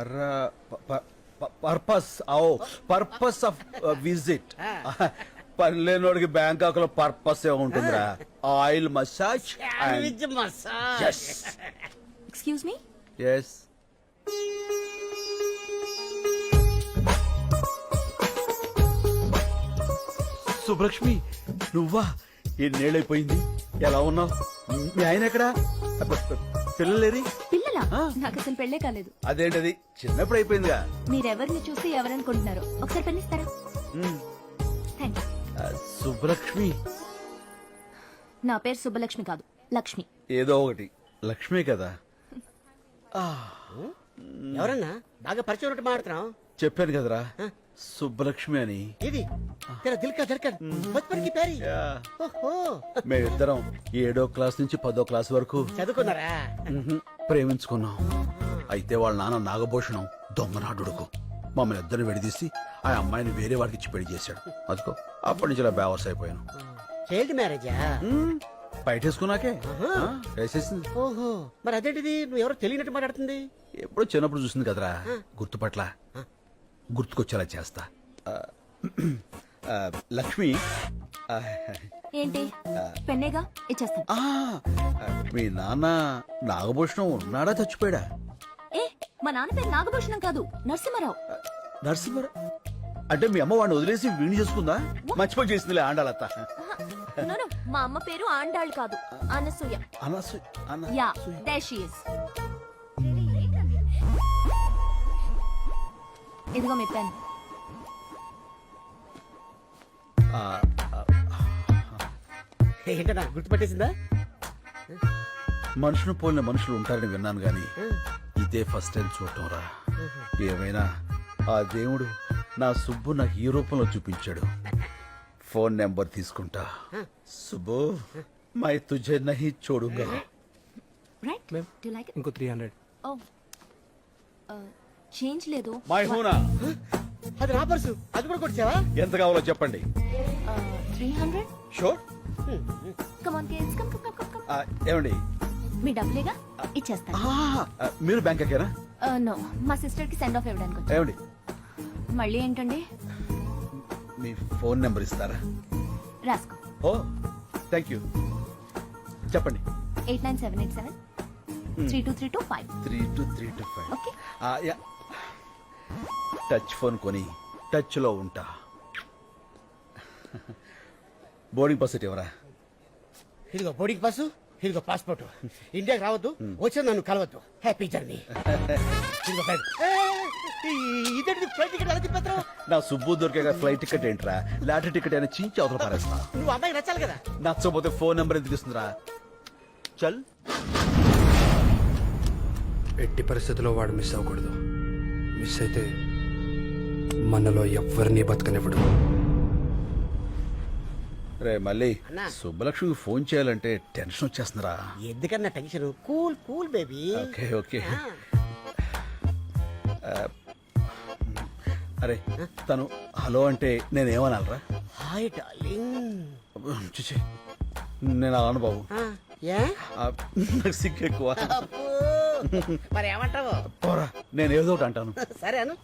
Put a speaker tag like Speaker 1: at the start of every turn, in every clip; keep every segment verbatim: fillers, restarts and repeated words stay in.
Speaker 1: Per purpose ఓ purpose of visit పనిలేనోడికి Bangkok లో పర్పస్ ఏ ఉంటుందిరా oil massage
Speaker 2: excuse me
Speaker 1: yes Subbalakshmi నువ్వా ఎన్నేళ్ళైపోయింది ఎలా ఉన్నావు మీ ఆయన ఎక్కడా పిల్లలేరి
Speaker 2: పిల్లలా నాకు అసలు పెళ్లే కాలేదు.
Speaker 1: అదేంటది చిన్నప్పుడు అయిపోయిందిగా.
Speaker 2: మీరెవరిని చూసి ఎవరనుకుంటున్నారు ఒకసారి పెన్నిస్తారా? Thank you.
Speaker 1: సుబ్బలక్ష్మి
Speaker 2: నా పేరు సుబ్బలక్ష్మి కాదు లక్ష్మి.
Speaker 1: ఏదో ఒకటి లక్ష్మి కదా.
Speaker 3: ఎవరన్నా బాగా పరిచయం ఉన్నట్టు మాట్లాడుతున్నావు.
Speaker 1: చెప్పాను కదరా సుబ్బలక్ష్మి అని.
Speaker 3: ఇది తెరా దిల్ కా ధడ్కన్ బచ్పన్ కి ప్యారీ. ఓహో
Speaker 1: మేమిద్దరం ఏడో క్లాస్ నుంచి పదో క్లాస్ వరకు
Speaker 3: చదువుకున్నారా?
Speaker 1: ప్రేమించుకున్నాం. అయితే వాళ్ళ నాన్న నాగభూషణం దొంగనాడుడుకు మమ్మల్ని ఇద్దరిని విడదీసి ఆ అమ్మాయిని వేరే వాడికి ఇచ్చి పెళ్లి చేశాడు. అదిగో అప్పటి నుంచి ఇలా బేవర్స్ అయిపోయాను.
Speaker 3: చైల్డ్ మ్యారేజా?
Speaker 1: బయటేసుకున్నాకే వేసేసింది.
Speaker 3: ఓహో మరి అదేంటిది నువ్వు ఎవరో తెలియనట్టు మాట్లాడుతుంది.
Speaker 1: ఎప్పుడో చిన్నప్పుడు చూసింది కదరా గుర్తుపట్ల గుర్తుకొచ్చేలా చేస్తా. లక్ష్మి
Speaker 2: ఏంటి పెన్నేగా ఇచ్చేస్తాను.
Speaker 1: మీ నాన్న నాగభూషణం ఉన్నాడా చచ్చిపోయాడా?
Speaker 2: ఏ మా నాన్న పేరు నాగభూషణం కాదు నరసింహారావు.
Speaker 1: నరసింహారావు అంటే మీ అమ్మ వాడిని వదిలేసి వీణి చేసుకుందా? మర్చిపోయి చేసిందిలే ఆండాలత్త.
Speaker 2: మా అమ్మ పేరు ఆండాళ్ కాదు Anasuya.
Speaker 1: Anasuya
Speaker 2: ya there she is. ఇదిగో మీ పెన్.
Speaker 3: ఏంటన్నా గుర్తుపట్టేసిందా?
Speaker 1: మనుషులు పోలిన మనుషులు ఉంటారని విన్నాను గాని ఇదే ఫస్ట్ టైం చూడటం రా. ఏమైనా ఆ దేవుడు నా సుబ్బు నాకు ఈ రూపంలో చూపించాడు. ఫోన్ నెంబర్ తీసుకుంటా. సుబ్బు మై తుజే నహీ చూడుగా.
Speaker 4: ఇంకో త్రీ హండ్రెడ్.
Speaker 2: చేంజ్ లేదు.
Speaker 1: మై హూనా
Speaker 3: అది నా పర్సు. అది కూడా కొట్టావా?
Speaker 1: ఎంత కావాలో చెప్పండి.
Speaker 2: Three hundred.
Speaker 1: Sure.
Speaker 2: Come on kids come come come come.
Speaker 1: ఏమండి
Speaker 2: మీ డబ్బులేగా ఇచ్చేస్తాను.
Speaker 1: మీరు బ్యాంక్ ఎక్కారా?
Speaker 2: నో మా సిస్టర్ కి సెండ్ ఆఫ్ ఇవ్వడానికి వచ్చాను.
Speaker 1: ఏమండి
Speaker 2: మళ్ళీ ఏంటండి?
Speaker 1: మీ ఫోన్ నెంబర్ ఇస్తారా?
Speaker 2: రాసుకో.
Speaker 1: Oh thank you. చెప్పండి.
Speaker 2: Eight nine seven eight seven three two three two five.
Speaker 1: Three two three two five.
Speaker 2: Okay.
Speaker 1: Touch phone కొని టచ్ లో ఉంటా. బోర్డింగ్ పాస్ ఎవరా?
Speaker 3: ఇదిగో బోర్డింగ్ పాసు, ఇదిగో పాస్పోర్ట్. ఇండియాకి రావద్దు, వచ్చి నన్ను కలవద్దు. Happy journey. ఇదేంటి ఫ్లైట్ టికెట్ ఎలా తిప్పేస్తావు?
Speaker 1: నా సుబ్బు దొరికే ఫ్లైట్ టికెట్ ఏంట్రా? లాటరీ టికెట్ అయినా చించి అవతల పారేస్తా.
Speaker 3: నువ్వు అమ్మాయికి నచ్చాలి కదా.
Speaker 1: నచ్చకపోతే ఫోన్ నెంబర్ ఎందుకు ఇస్తుందిరా? చల్.
Speaker 4: ఎట్టి పరిస్థితుల్లో వాడు మిస్ అవ్వకూడదు. మిస్ అయితే మనలో ఎవరిని బతకనివ్వడు.
Speaker 1: రే మళ్ళీ సుబ్బలక్ష్మికి ఫోన్ చేయాలంటే టెన్షన్ వచ్చేస్తుందిరా.
Speaker 3: ఎందుకన్నా tension? Cool cool baby.
Speaker 1: Okay okay. అరే తను హలో అంటే నేనేమనాలరా?
Speaker 3: Hi darling.
Speaker 1: చూసి నేను అలాను బాబు. నాకు సిగ్గు ఎక్కువ.
Speaker 3: మరి ఏమంటావు?
Speaker 1: పోరా నేను ఏదో ఒకటి అంటాను.
Speaker 3: సరే అను.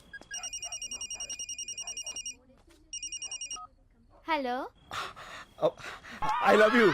Speaker 2: Hello
Speaker 1: I love you.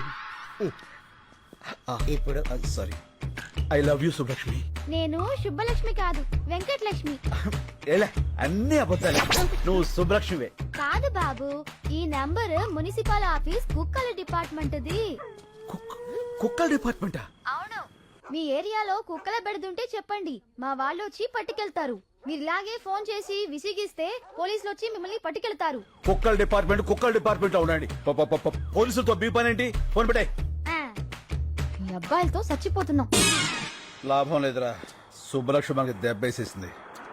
Speaker 3: ఇప్పుడు
Speaker 1: sorry I love you Subbalakshmi.
Speaker 5: నేను శుభలక్ష్మి కాదు వెంకటలక్ష్మి.
Speaker 1: ఏలే అన్ని అబద్ధాలే. నువ్వు సుబ్బలక్ష్మివే.
Speaker 5: కాదు బాబు, ఈ నంబర్ మున్సిపల్ ఆఫీస్ కుక్కల డిపార్ట్మెంట్ ది.
Speaker 1: కుక్కల డిపార్ట్మెంటా?
Speaker 5: అవును. మీ ఏరియాలో కుక్కల బెడదుంటే చెప్పండి, మా వాళ్ళు వచ్చి పట్టుకెళ్తారు. మీరు ఇలాగే ఫోన్ చేసి విసిగిస్తే పోలీసులు వచ్చి మిమ్మల్ని పట్టుకెళ్తారు.
Speaker 1: కుక్కల డిపార్ట్మెంట్ కుక్కల డిపార్ట్మెంట్ లో ఉండండి. పోలీసులతో బీ పని ఏంటి? ఫోన్ పెట్టే.
Speaker 5: మీ అబ్బాయిలతో చచ్చిపోతున్నాం.
Speaker 1: లాభం లేదురా. సుబ్బలక్ష్మి మనకి దెబ్బేసేసింది.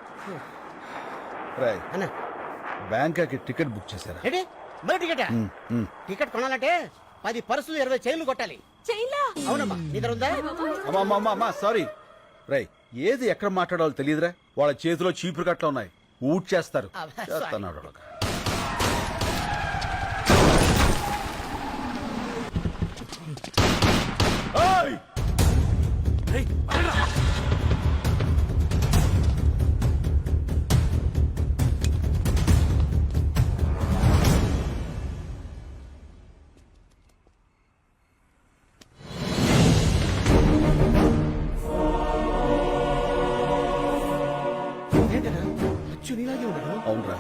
Speaker 1: రాయ్
Speaker 3: అన్న
Speaker 1: బ్యాంకాక్ టికెట్ బుక్ చేశారా?
Speaker 3: ఏంటి మరి టికెట్? టికెట్ కొనాలంటే పది పర్సులు ఇరవై చైన్లు కొట్టాలి. అవునమ్మా నీ దగ్గర ఉందా?
Speaker 1: అమ్మా సారీ రై ఏది ఎక్కడ మాట్లాడాలో తెలియదురా. వాళ్ళ చేతిలో చీపురు కట్ల ఉన్నాయి. ఊట్ చేస్తారు. రా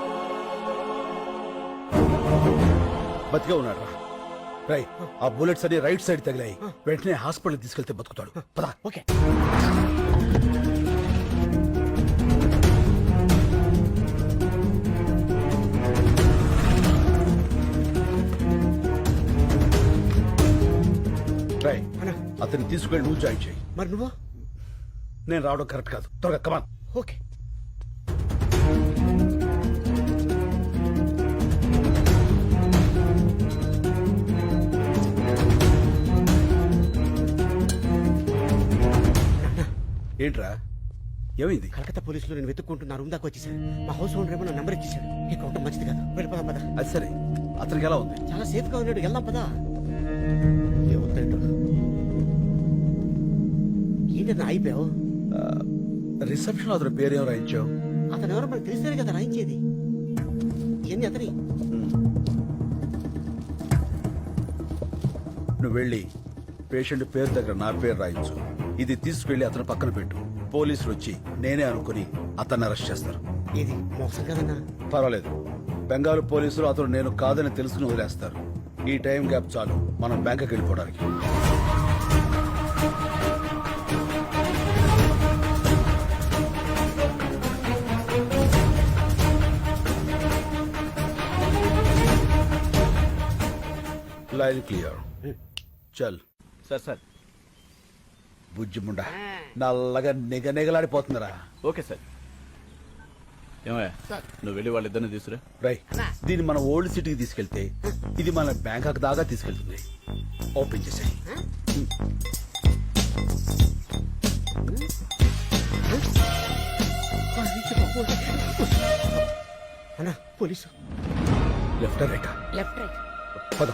Speaker 1: బతికే ఉన్నాడు రా రై ఆ బుల్లెట్స్ అన్ని రైట్ సైడ్ తగిలాయి వెంటనే హాస్పిటల్ తీసుకెళ్తే బతుకుతాడు పదా
Speaker 3: ఓకే
Speaker 1: రై
Speaker 3: అన్నా
Speaker 1: అతన్ని తీసుకెళ్ళి నువ్వు జాయిన్ చేయి
Speaker 3: మరి నువ్వు
Speaker 1: నేను రావడం కరెక్ట్ కాదు త్వరగా కమాన్
Speaker 3: ఓకే
Speaker 1: ఏంట్రా ఏమైంది
Speaker 3: కలకత్తా పోలీసులు నేను వెతుక్కుంటున్నా రూమ్ దాకా వచ్చేసాను మా హౌస్ ఓనర్ ఏమో నా నెంబర్ ఇచ్చేసాడు ఇక్కడ ఉండటం మంచిది కాదు వెళ్ళిపోదాం పదా
Speaker 1: అది సరే అతనికి ఎలా ఉంది
Speaker 3: చాలా సేఫ్ గా ఉన్నాడు వెళ్దాం పదా ఏమవుతాడు ఏంటన్నా అయిపోయావు
Speaker 1: రిసెప్షన్ అతని పేరేం రాయించావు
Speaker 3: అతను ఎవరో మనకు తెలిస్తేనే కదా రాయించేది ఏంది అతని
Speaker 1: నువ్వు వెళ్ళి పేషెంట్ పేరు దగ్గర నా పేరు రాయించు ఇది తీసుకెళ్లి అతని పక్కన పెట్టు పోలీసులు వచ్చి నేనే అనుకుని అతన్ని అరెస్ట్ చేస్తారు
Speaker 3: ఏది మోసం కదన్నా
Speaker 1: పర్వాలేదు బెంగాల్ పోలీసులు అతను నేను కాదని తెలుసుకుని వదిలేస్తారు ఈ టైం గ్యాప్ చాలు మనం బ్యాంకుకి వెళ్ళిపోవడానికి లైన్ క్లియర్ చల్
Speaker 6: సార్ సార్
Speaker 1: బుజ్జిముండ నల్లగా నిగ నిగలాడిపోతుందిరా
Speaker 6: ఓకే సార్ ఏమయ్యా నువ్వు వెళ్ళి వాళ్ళిద్దరిని తీసుకురా
Speaker 1: రై దీన్ని మన ఓల్డ్ సిటీకి తీసుకెళ్తే ఇది మన బ్యాంకాక్ దాకా తీసుకెళ్తుంది ఓపెన్ చేసాయి
Speaker 3: అన్నా police
Speaker 1: left right
Speaker 3: left right
Speaker 1: పదం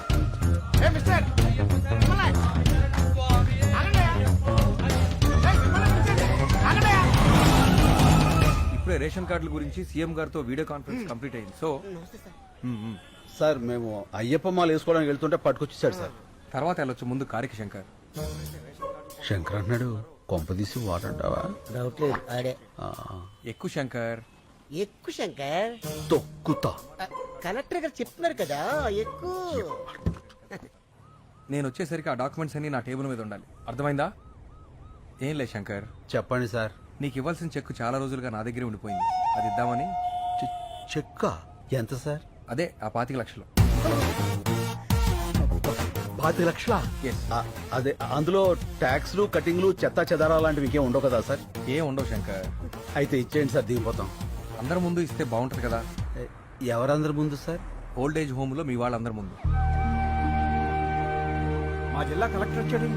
Speaker 7: ఇప్పుడే రేషన్ కార్డుల గురించి సీఎం గారితో వీడియో కాన్ఫరెన్స్ కంప్లీట్ అయింది సో
Speaker 1: సార్ మేము అయ్యప్ప మాల వేసుకోవడానికి వెళ్తుంటే పట్టుకొచ్చేసాడు సార్
Speaker 7: తర్వాత వెళ్ళొచ్చు ముందు కారికి శంకర్
Speaker 1: శంకర్ అన్నాడు కొంపదీసి వాడంటావా
Speaker 3: డౌట్ లేదు ఆడే
Speaker 7: ఎక్కువ శంకర్
Speaker 3: ఎక్కువ శంకర్
Speaker 1: తొక్కుతా
Speaker 3: కలెక్టర్ గారు చెప్తున్నారు కదా ఎక్కువ
Speaker 7: నేను వచ్చేసరికి ఆ డాక్యుమెంట్స్ అన్ని నా టేబుల్ మీద ఉండాలి అర్థమైందా ఏం లేదు శంకర్
Speaker 1: చెప్పండి సార్
Speaker 7: నీకు ఇవ్వాల్సిన చెక్ చాలా రోజులుగా నా దగ్గరే ఉండిపోయింది అది ఇద్దామని
Speaker 1: చె- చెక్క ఎంత సార్
Speaker 7: అదే ఆ పాతిక లక్షలు
Speaker 1: పాతి లక్షల
Speaker 7: Yes.
Speaker 1: అదే అందులో ట్యాక్స్లు కటింగ్లు చెత్త చెదారా లాంటివి ఇంకేం ఉండవు కదా సార్
Speaker 7: ఏం ఉండవు శంకర్
Speaker 1: అయితే ఇచ్చేయండి సార్ దిగిపోతాం
Speaker 7: అందరి ముందు ఇస్తే బాగుంటది కదా
Speaker 1: ఎ- ఎవరందరి ముందు సార్
Speaker 7: ఓల్డ్ ఏజ్ హోమ్ లో మీ వాళ్ళందరి ముందు
Speaker 4: మా జిల్లా కలెక్టర్ వచ్చాడు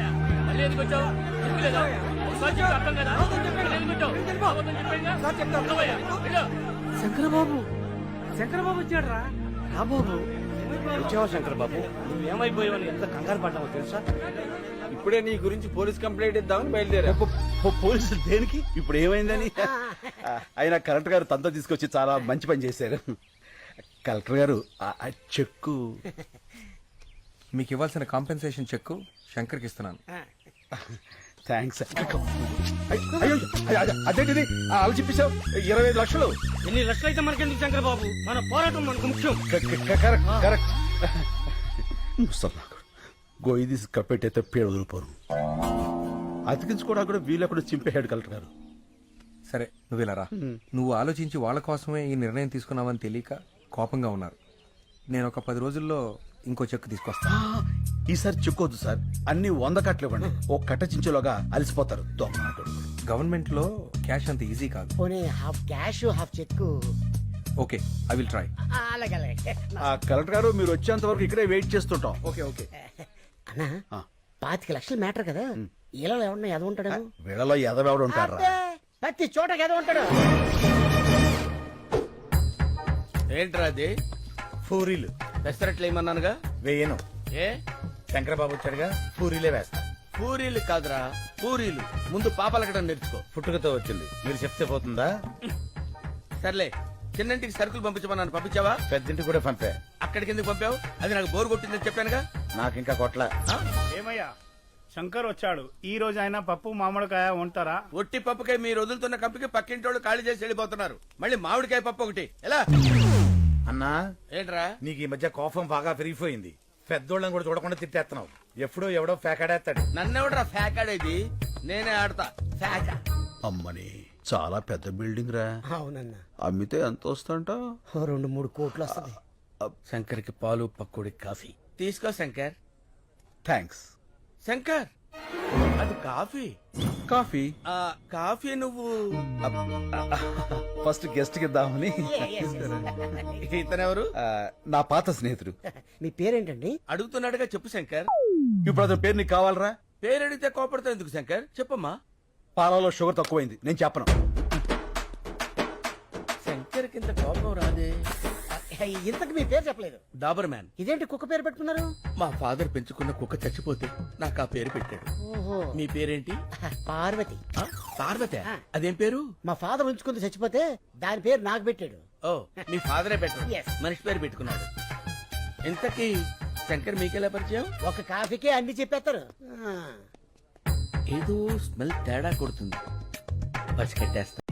Speaker 3: శంకరబాబు శంకరబాబు వచ్చాడు రా బాబు
Speaker 6: వచ్చావా శంకర్ బాబు నువ్వేమైపోయావని ఎంత కంగారు పడ్డావో తెలుసా ఇప్పుడే నీ గురించి పోలీస్ కంప్లైంట్ ఇద్దామని బయలుదేరా
Speaker 1: పో- పో- పోలీసులు దేనికి ఇప్పుడు ఏమైందని అయినా కలెక్టర్ గారు తనతో తీసుకొచ్చి చాలా మంచి పని చేశారు కలెక్టర్ గారు ఆ- ఆ చెక్కు
Speaker 7: మీకు ఇవ్వాల్సిన కాంపెన్సేషన్ చెక్ శంకర్కి ఇస్తున్నాను
Speaker 1: థ్యాంక్స్ అయ్యో అదేంటిది అలా చెప్పేశావు ఇరవై ఐదు లక్షలు
Speaker 3: ఎన్ని లక్షలు అయితే మనకెందుకు శంకరబాబు మన పోరాటం మనకు ముఖ్యం
Speaker 1: కరెక్ట్ కరెక్ట్ ముసల్లాకు గోయి తీసి కప్పెట్టయితే పేరు వదిలిపోరు అతికించుకోవడానికి కూడా వీలెక్కడ చింపేశాడు కలెక్టర్ గారు
Speaker 7: సరే నువ్వు ఇలా రా నువ్వు ఆలోచించి వాళ్ళ కోసమే ఈ నిర్ణయం తీసుకున్నావని తెలియక కోపంగా ఉన్నారు నేను ఒక పది రోజుల్లో ఇంకో చెక్ తీసుకొస్తా
Speaker 1: ఆ, ఈసారి చెక్కొద్దు సార్ అన్ని వంద కట్టలు ఇవ్వండి ఓ కట్ట చించేలోగా అలసిపోతారు దొంగ
Speaker 7: గవర్నమెంట్ లో క్యాష్ అంత ఈజీ కాదు
Speaker 3: పోనీ half cash half cheque
Speaker 7: okay I will try
Speaker 3: అలాగే అలాగే
Speaker 1: ఆ కలెక్టర్ గారు మీరు వచ్చేంత వరకు ఇక్కడే వెయిట్ చేస్తుంటాం
Speaker 7: ఓకే ఓకే
Speaker 3: అన్నా
Speaker 1: ఆ.
Speaker 3: పాతిక లక్షలు మ్యాటర్ కదా ఇలా ఎవరన్నా ఎద ఉంటాడు
Speaker 1: వీళ్ళలో ఎదవెవడు ఉంటారా
Speaker 3: ప్రతి చోట ఎద ఉంటాడు
Speaker 6: ఏంట్రా అది
Speaker 8: పూరీలు
Speaker 6: పెసరట్లు ఏమన్నానుగా
Speaker 8: వేయను
Speaker 6: ఏ
Speaker 8: శంకరబాబు వచ్చాడుగా పూరీలే వేస్తా
Speaker 6: పూరీలు కాదురా పూరీలు ముందు పాపలకడం నేర్చుకో
Speaker 8: పుట్టుకతో వచ్చింది మీరు చెప్తే పోతుందా
Speaker 6: సర్లే చిన్నంటికి సరుకులు పంపించమన్నాను పంపించావా
Speaker 8: పెద్దింటి కూడా పంపే
Speaker 6: అక్కడికి ఎందుకు పంపావు అది నాకు బోరు కొట్టిందని చెప్పానుగా
Speaker 8: నాకు ఇంకా కొట్ల
Speaker 6: ఆ?
Speaker 8: ఏమయ్యా
Speaker 9: శంకర్ వచ్చాడు. ఈ రోజు అయినా పప్పు మామిడికాయ ఉంటారా?
Speaker 6: ఒట్టి పప్పుకాయ మీరు వదులుతున్న కంపికి పక్కింటి వాళ్ళు ఖాళీ చేసి వెళ్ళిపోతున్నారు. మళ్ళీ మామిడికాయ పప్పు ఒకటి ఎలా?
Speaker 8: అన్నా
Speaker 6: ఏంట్రా?
Speaker 8: నీకు ఈ మధ్య కోపం బాగా పెరిగిపోయింది. పెద్దోళ్ళని కూడా చూడకుండా తిట్టేస్తున్నావు. ఎప్పుడో ఎవడో ఫేకాడేస్తాడు.
Speaker 6: నన్నెవడరా ఫ్యాకాడేది? నేనే ఆడతా ఫ్యాక.
Speaker 1: అమ్మని చాలా పెద్ద బిల్డింగ్ రా.
Speaker 3: అవునన్నా,
Speaker 1: అమ్మితే ఎంత వస్తుంట?
Speaker 3: ఓ రెండు మూడు కోట్లు వస్తుంది.
Speaker 6: శంకర్కి పాలు పక్కుడి కాఫీ తీసుకో శంకర్.
Speaker 1: థ్యాంక్స్.
Speaker 6: శంకర్ అది కాఫీ.
Speaker 1: కాఫీ
Speaker 6: ఆ కాఫీ నువ్వు
Speaker 1: ఫస్ట్ గెస్ట్ కి ఇద్దామని.
Speaker 6: ఇతనెవరు?
Speaker 1: ఆ, నా పాత స్నేహితుడు.
Speaker 3: మీ పేరేంటండి?
Speaker 6: అడుగుతున్నాడుగా చెప్పు శంకర్.
Speaker 1: ఇప్పుడు అతని పేరు నీకు కావాలరా?
Speaker 6: పేరు అడిగితే కోపడతావు ఎందుకు శంకర్? చెప్పమ్మా.
Speaker 1: పాలలో షుగర్ తక్కువైంది, నేను చెప్పను.
Speaker 6: శంకర్ కింద కోపం రాదే.
Speaker 3: ఇంతకు మీ పేరు చెప్పలేదు.
Speaker 6: Doberman.
Speaker 3: ఇదేంటి కుక్క పేరు పెట్టుకున్నారు?
Speaker 6: మా ఫాదర్ పెంచుకున్న కుక్క చచ్చిపోతే నాకు ఆ పేరు పెట్టాడు.
Speaker 3: ఓహో,
Speaker 6: మీ పేరేంటి?
Speaker 3: పార్వతి.
Speaker 6: ఆ, పార్వతి. అదేం పేరు?
Speaker 3: మా ఫాదర్ ఉంచుకుంది చచ్చిపోతే దాని పేరు నాకు పెట్టాడు.
Speaker 6: ఓ మీ ఫాదరే పెట్టాడు.
Speaker 3: Yes.
Speaker 6: మనిషి పేరు పెట్టుకున్నాడు. ఇంతకీ శంకర్ మీకెలా పరిచయం?
Speaker 3: ఒక కాఫీకే అన్ని చెప్పేస్తారు. ఆ.
Speaker 6: ఏదో స్మెల్ తేడా కొడుతుంది. పసికట్టేస్తా.